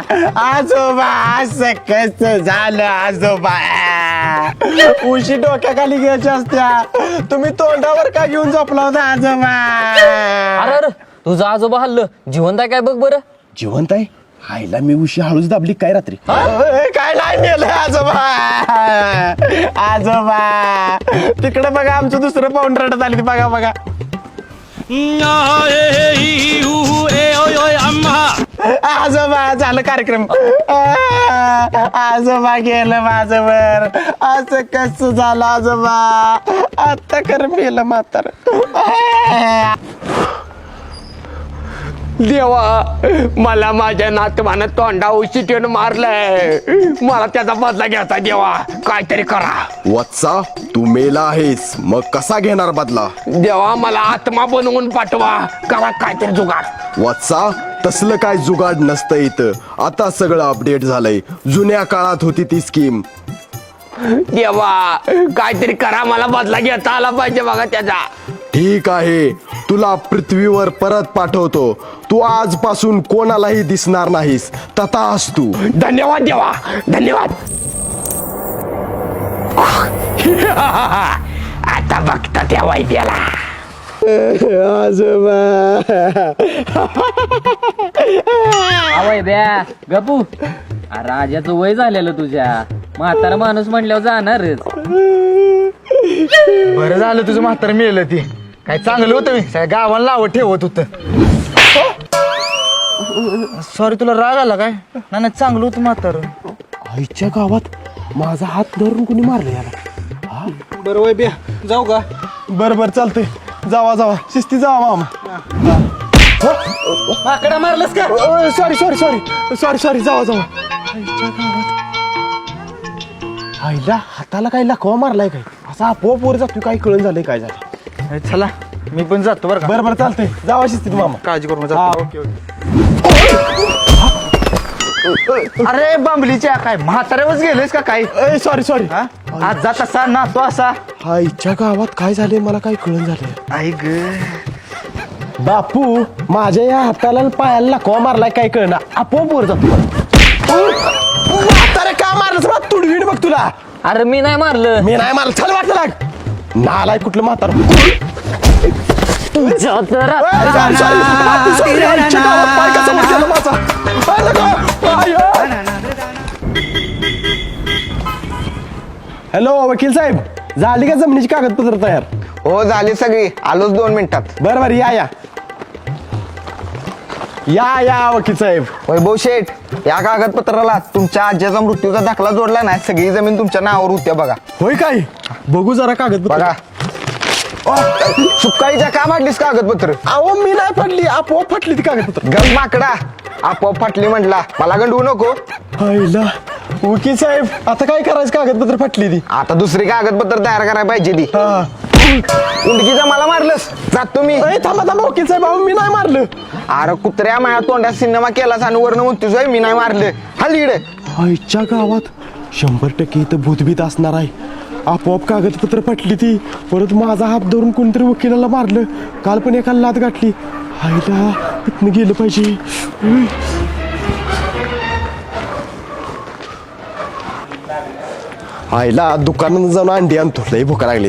आजोबा असं कसं झालं आजोबा? उशी डोक्याखाली घ्यायची असत्या, तुम्ही तोंडावर का घेऊन झोपला होता आजोबा? अरे अरे तुझं आजोबा हल्लं जिवंत आहे काय बघ बरं. जिवंत आहे? आईला मी उशी हळूच दाबली काय रात्री? काय नाही नेलं आजोबा? आजोबा तिकडे बघा आमचं दुसरं पाऊंड रडत आली बघा बघा. आजोबा झालं कार्यक्रम. आजोबा गेलं माझ्यावर, असं कसं झालं आजोबा? आता कर मेलं म्हातार. देवा मला माझ्या नातवानं तोंडा उशी ठेवून मारलंय, मला त्याचा बदला घ्यायचा. देवा काहीतरी करा. वत्सा तू मेला आहेस, मग कसा घेणार बदला? देवा मला आत्मा बनवून पाठवा, करा काहीतरी जुगाड. वत्सा तसलं काय जुगाड नसतं इथं, आता सगळं अपडेट झालंय. जुन्या काळात होती ती स्कीम. देवा काहीतरी करा, मला बदला घेता आला पाहिजे बघा त्याचा. ठीक आहे, तुला पृथ्वीवर परत पाठवतो. तू आजपासून कोणालाही दिसणार नाहीस, तथाच तू. धन्यवाद देवा, धन्यवाद. आता बघता त्या वैद्याला. आजोबा आवय ब्या गपू. राजाचं वय झालेलं तुझ्या, म्हातारा माणूस म्हणल्यावर जाणारच. बरं झालं तुझं म्हातार मिळलं. ती काय चांगलं होतं, मी सगळ्या गावाला नावं ठेवत होतं. सॉरी, तुला राग आला काय? नाही नाही, चांगलं होतं म्हातार. आईच्या गावात माझा हात धरून कोणी मारलं याला? बरं वय बिया, जाऊ का? बरं बरं चालतंय, जावा जावा, शिस्ती जावा मामा. माकडा मारलंस का? Sorry sorry sorry sorry sorry, जावा जावा. आईच्या गावात आईला हाताला काही लाखवा मारलाय काय? असा आपोआप वर जातो, काही कळून झालंय काय झालं? चला मी पण जातो बरं का. बरं बरं चालतंय, जावा शिस्तीत मामा. काळजी करून हा. जातो. Okay okay. अरे बांबलीच्या काय म्हाताऱ्यावरच गेलेस का काय? Sorry sorry. हा? आज जात असा ना तो असा. आईच्या गावात काय झालंय मला काही कळून झालंय. आई ग, बापू माझ्या या हाताला आणि पायाला लाखवा मारलाय काय कळना, आपोआप वर जातो. म्हातारे का मारलं? तुला तुडवीड बघ तुला. अरे मी नाही मारलं. मी नाही मारलं, चल वाटलं लाग. नालाय कुठलं म्हातार. तुझ्या तर हॅलो वकील साहेब, झाली का जमिनीची कागदपत्र तयार? हो झाली सगळी, आलोच 2 मिनिटात. बरं बरं, या या या या वकील साहेब. वैभव शेठ, या कागदपत्राला तुमच्या आजीचा मृत्यूचा दाखला जोडला नाही, सगळी जमीन तुमच्या नावावर होत्या बघा. होय काय? बघू जरा कागदपत्र. बघा सुकाळीच्या का मांडलीस कागदपत्र? अहो मी नाही फाटली, आपोआप फाटली ती कागदपत्र. गम माकडा, आपोआप फाटली म्हटला, मला गंडवू नको. आईला वकील साहेब, आता काय करायचं? कागदपत्र फाटली ती. आता दुसरी कागदपत्र तयार करायला पाहिजे ती. हा. उंडकीचा मला मारलंस, जात तुम्ही. थांबा थांबा वकील साहेब, अहो मी नाही मारलं. अरे कुत्र्या माझ्या तोंडात सिनेमा केलास आणि वर्ण म्हणतोस मी नाही मारलं. हल्ली इकडे. आईच्या गावात 100% इथं भूतभीत असणार आहे. आपोआप कागदपत्र फाटली ती, परत माझा हात धरून कोणतरी वकिलाला मारलं. काल पण एकाला लात गाठली. आईला इथनं गेलं पाहिजे. आईला दुकानात जाऊन अंडी आणतो, लई भूका लागली.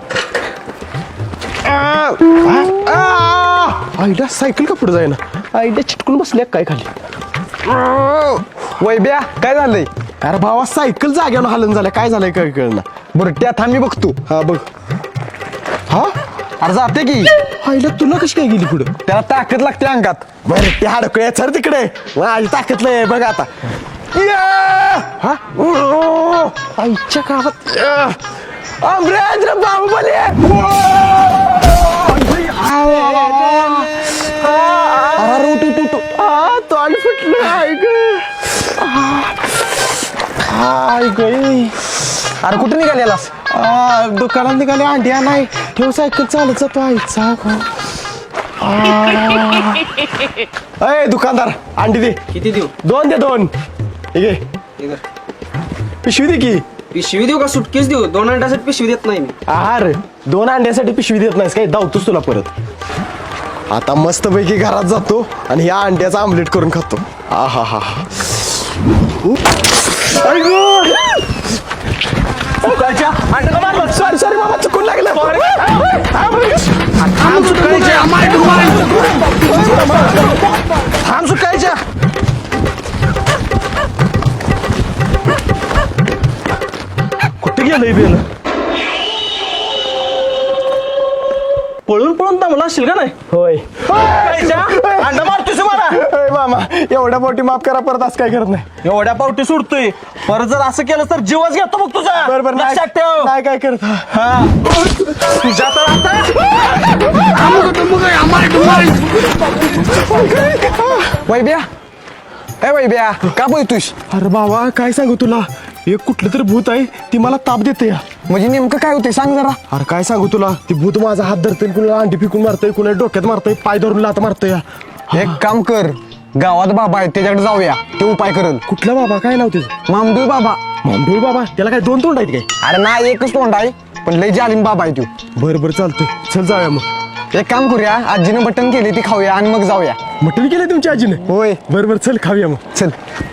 आईला सायकल का पुढे जाईना? आईला चिटकून बसल्या काय खाली? वैब्या काय झालंय? अरे भावा, सायकल जाग्यावर हलन झाल्या, काय झालंय काय कळना. बरं त्या थांबी बघतो. हा बघ. हा अरे जाते की. आईला तुला कशी काय गेली पुढं? त्याला ताकद लागते अंगात. बरं ते हाडकळे सर तिकडे, माझी ताकद लय बघ आता. हा आईच्या गावात अमरेंद्र बाहुबली. अरे उठ उठ उठ. तोंड फुटलं. आई ग, आई गई. अरे कुठे निघालेलास? दुकानात निघाले, अंडी नाही. ठेव सायकल चालत जातो. आईचा अय दुकानदार, अंडी दे. किती देऊ? 2 दे, 2. ठीक आहे, पिशवी दे की. पिशवी देऊ का सुटकेस देऊ? 2 अंड्यासाठी पिशवी देत नाही मी. आहार 2 अंड्यासाठी पिशवी देत नाहीस काय? धावतोस तुला परत. आता मस्तपैकी घरात जातो आणि या अंड्याचा आमलेट करून खातो. हा हा हा सॉरी सॉरी बाबा चुकून लागलं. थांब सुकायच्या. कुठे गेलंय बेल? पळून पळून दमला असशील का नाही? होय. अंडा मारतोस मला. अय मामा एवढ्या पोटी माफ करा, परत असं काय करत नाही. एवढ्या पावटी सोडतोय, परत जर असं केलं तर जीवच घेतो बघ तुझा. बरोबर लक्षात ठेव. नाही काय करत. तुझ्या तर आता वैब्या ए वैब्या का बोलतोस? अरे बाबा काय सांगू तुला, एक कुठलं तरी भूत आहे ती मला ताप देते या. म्हणजे नेमकं काय होते सांग जरा. अरे काय सांगू तुला, ती भूत माझा हात धरते, कुणाला अंडी फिकून मारतय, कुणाला डोक्यात मारतय, पाय धरून लात मारतय. एक काम कर, गावात बाबा आहे त्याच्याकडे जाऊया, ते उपाय करल. कुठला बाबा, काय नाव त्याचं? मामडूळ बाबा. मामडूळ बाबा? त्याला काय दोन तोंड आहेत काय? अरे नाही, एकच तोंड आहे, पण लय जालिम बाबा आहे तू. बरं बरं चालतंय, चल जाऊया मग. एक काम करूया, आजीनं बटन केले ती खाऊया आणि मग जाऊया. मटण केलंय तुमच्या आजीने? होय. बरं बरं चल खाऊया मग. चल.